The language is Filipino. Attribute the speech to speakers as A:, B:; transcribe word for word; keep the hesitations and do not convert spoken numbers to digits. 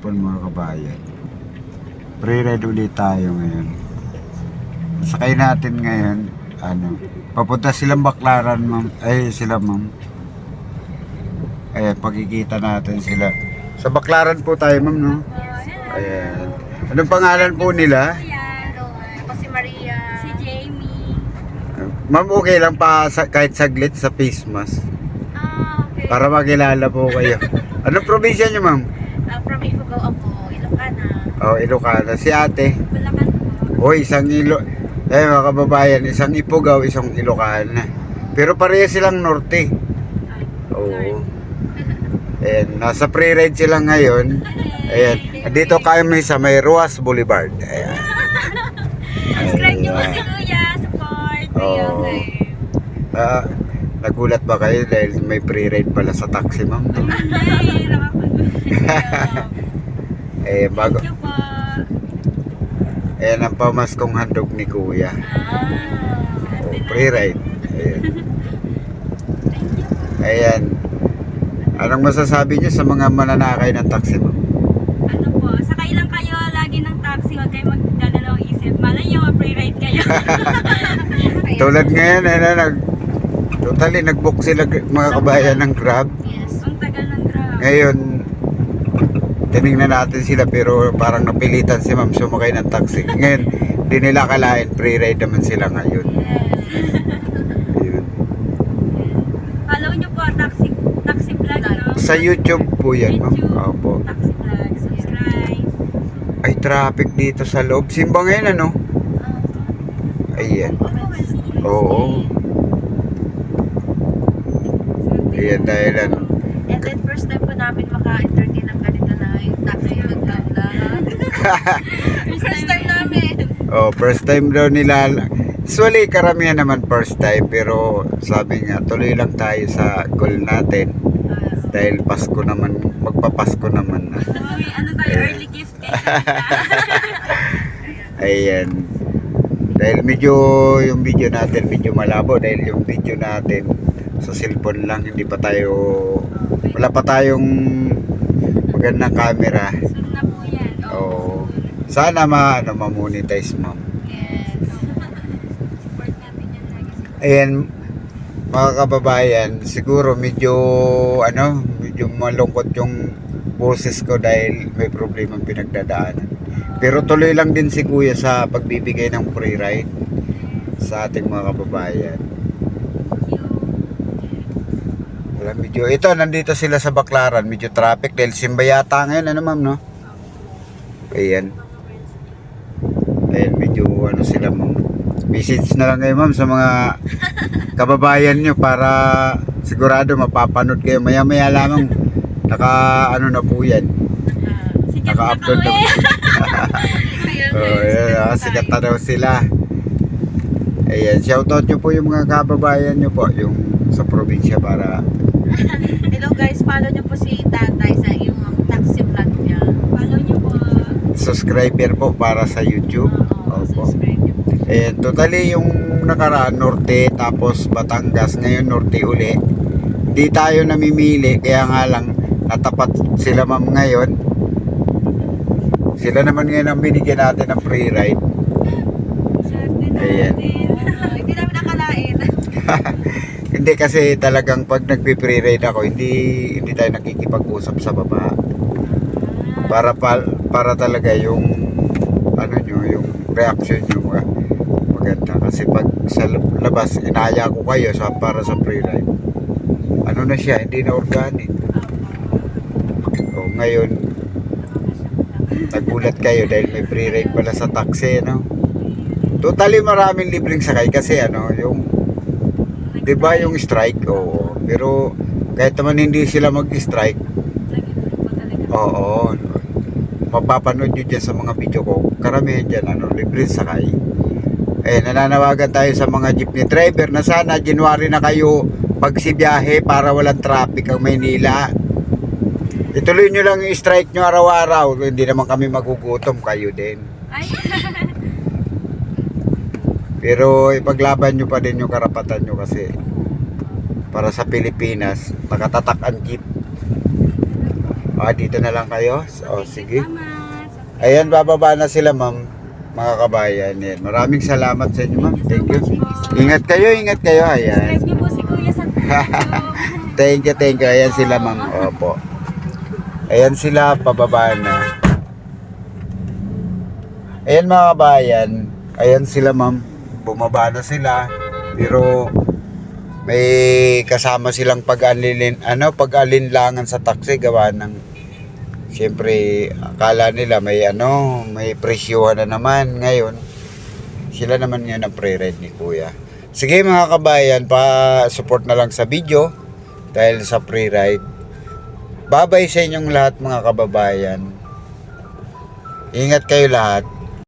A: hapon mga kabayan. Pre-ride ulit tayo ngayon. Sakay natin ngayon, ano, papunta silang Baclaran, ma'am. Ay, sila, ma'am. Ayan, pagkikita natin sila. Sa Baclaran po tayo, ma'am, no? Ayan. Anong pangalan po nila?
B: Ako si Maria.
C: Si Jamie.
A: Ma'am, okay lang pa sa, kahit saglit sa face mask.
C: Ah, okay.
A: Para makilala po kayo. Anong probinsya niyo, ma'am?
B: Uh, from Ifugao ako, Ilocana.
A: Oh, Ilocana. Si ate.
C: Bulacan po.
A: O, isang ilo... Eh, mga kababayan, isang Ifugao, isang Ilocana. Pero pareha silang norte. Oo. Ayan, nasa pre-ride sila ngayon. Ayan, dito kami sa may Ruas Boulevard. Ayan.
C: Subscribe niyo po si Kuya. Support.
A: Oo. Ah, nagulat ba kayo dahil may pre-ride pala sa taxi, ma'am?
C: Ay,
A: Eh, bago...
C: Thank you po.
A: Ayan ang pamaskong handog ni Kuya.
C: Ah,
A: Oh, pre-ride. Ayan. Ayan. Anong masasabi niyo sa mga mananakay ng taxi, ma'am?
C: Ano po, sakay lang kayo lagi ng taxi. Huwag kayo magdadalawang isip. Malay nyo, free ride kayo.
A: Tulad ngayon, ano, nag... Totally, nag-book sila mga kabayan ng Grab.
B: Yes.
C: Ang tagal ng drama.
A: Ngayon, tinignan natin sila pero parang napilitan si ma'am sumakay ng taxi. Ngayon, di nila kalain, pre-ride naman sila ngayon.
C: Yes.
A: Ayun.
C: Follow nyo po, taxi, taxi vlog, no?
A: Sa YouTube po yan, ma'am.
C: YouTube.
A: Opo.
C: Taxi vlog. Subscribe.
A: Ay, traffic dito sa loob. Simba ngayon, ano? Ayan. Oo. Ayan, dahil ano.
B: And then first time po namin maka-entertain ng ganito na yung taxi nagdala. First time namin.
A: Oh, first time daw nila. Usually, karamihan naman first time. Pero sabi nga, tuloy lang tayo sa goal natin. Dahil Pasko naman, magpapasko naman na.
C: Uy, ano tayo, early gift eh.
A: Ayan. Dahil medyo yung video natin medyo malabo. Dahil yung video natin sa cellphone lang, hindi pa tayo, wala pa tayong magandang camera.
C: Soon na po yan.
A: Oo. Sana ma, ano, ma-monetize, ma'am.
B: Yes.
C: Support natin yan lagi.
A: Ayan, mga kababayan, siguro medyo, ano, medyo malungkot yung boses ko dahil may problema pinagdadaanan. Pero tuloy lang din si Kuya sa pagbibigay ng free ride sa ating mga kababayan. Wala, medyo, ito, nandito sila sa Baclaran, medyo traffic dahil simba yata ngayon, ano ma'am, no? Ayan. Ayan, medyo, ano sila, ma'am. Message na lang kayo, ma'am, sa mga kababayan nyo para sigurado mapapanood kayo. Maya-maya lamang, naka, ano na po yan.
C: Sikat na
A: Naka-upload na
C: kami.
A: po. Oh, ayan, ah, sikat na daw sila. Ayan, shoutout nyo po yung mga kababayan nyo po, yung sa probinsya para...
B: Hello guys, follow niyo po si Tatay sa yung taxi vlog niya.
C: Follow nyo po.
A: subscriber po para sa YouTube.
B: Oo,
A: Opo.
B: subscribe niyo po.
A: Ayan, totally yung nakaraan Norte tapos Batangas, ngayon Norte uli. Hindi tayo namimili kaya nga lang natapat sila ma'am ngayon. Sila naman ngayon ang binigyan natin ng free ride.
C: Swerte
A: Ayan.
C: natin.
B: Ah, hindi namin nakalain.
A: Hindi kasi talagang pag nagpi-free ride ako, hindi hindi tayo nakikipag-usap sa baba. Para pa, para talaga yung ano nyo, yung reaction nyo mga maganda. Kasi pag sa labas, inaya ko kayo sa, para sa free ride. Ano na siya, hindi na organic. O ngayon, nagulat kayo dahil may free ride pala sa taxi, no? Totally maraming libreng sakay kasi ano, yung di ba yung strike? Oo. Pero kahit naman hindi sila mag-strike, oo. Mapapanood nyo dyan sa mga video ko. Karamihan dyan, ano, libreng sakay. Eh, nananawagan tayo sa mga jeepney driver na sana January na kayo pagsibiyahe para walang traffic ang Maynila. Ituloy nyo lang yung strike nyo araw-araw. Hindi naman kami magugutom, kayo din.
C: Ay,
A: Pero ipaglaban nyo pa din yung karapatan nyo kasi para sa Pilipinas, nakatatak ang jeep. Ah, dito na lang kayo? O, sige.
C: Salamat.
A: Ayan, bababa na sila, ma'am. Mga kabayan. Yan. Maraming salamat sa inyo, ma'am. Thank you. Ingat kayo, ingat kayo. Ayan.
C: Subscribe niyo po si Kuya sa YouTube.
A: Thank you, thank you. Ayan sila, ma'am. Opo. Ayan sila, pababa na. Ayan, mga kabayan. Ayan sila, ma'am. Bumaba na sila. Pero may kasama silang pag-alin, ano, pag-alinlangan sa taxi gawa ng siyempre akala nila may ano, may presyuhan na naman ngayon. Sila naman yun ang pre-ride ni Kuya. Sige mga kabayan, pa-support na lang sa video dahil sa pre-ride. Babay sa inyong lahat mga kababayan. Ingat kayo lahat.